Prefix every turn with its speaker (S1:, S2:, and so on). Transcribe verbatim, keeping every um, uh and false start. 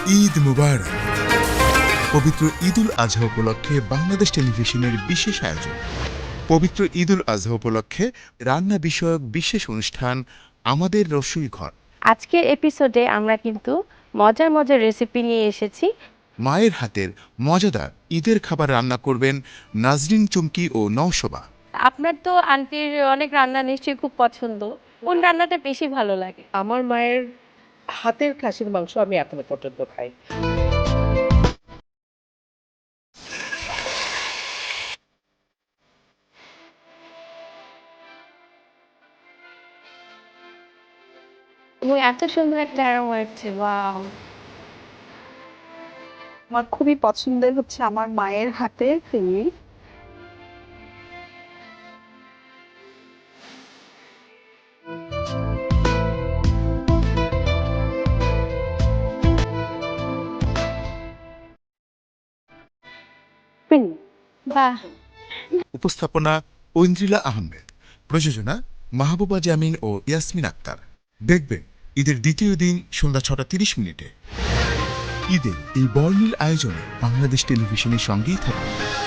S1: ঈদ মুবারক। পবিত্র ঈদুল আজহা উপলক্ষে বাংলাদেশ টেলিভিশনের বিশেষ আয়োজন। পবিত্র ঈদুল আজহা উপলক্ষে রান্না বিষয়ক বিশেষ অনুষ্ঠান আমাদের রসুই ঘর।
S2: আজকের এপিসোডে আমরা কিন্তু মজার মজার রেসিপি নিয়ে এসেছি।
S1: মায়ের হাতের মজাদার ঈদের খাবার রান্না করবেন নাজরিন চুমকি ও নওশোবা।
S2: আপনার তো আন্টির অনেক রান্না নিশ্চয়ই খুব পছন্দ, কোন রান্নাটা বেশি ভালো লাগে?
S3: আমার মায়ের হাতের খাসির মাংস আমি এখনো পর্যন্ত খাই।
S2: এবং এত সুন্দর একটা অ্যারোমা আসছে, ওয়াও!
S4: আমার খুবই পছন্দের হচ্ছে আমার মায়ের হাতের চিংড়ি।
S2: বাহ!
S1: উপস্থাপনা ঐন্দ্রিলা আহমেদ, প্রযোজনা মাহবুবা জামিন ও ইয়াসমিন আক্তার। দেখবেন ঈদের দ্বিতীয় দিন সন্ধ্যা ছটা তিরিশ মিনিটে। ঈদের এই বর্ণিল আয়োজনে বাংলাদেশ টেলিভিশনের সঙ্গেই থাকুন।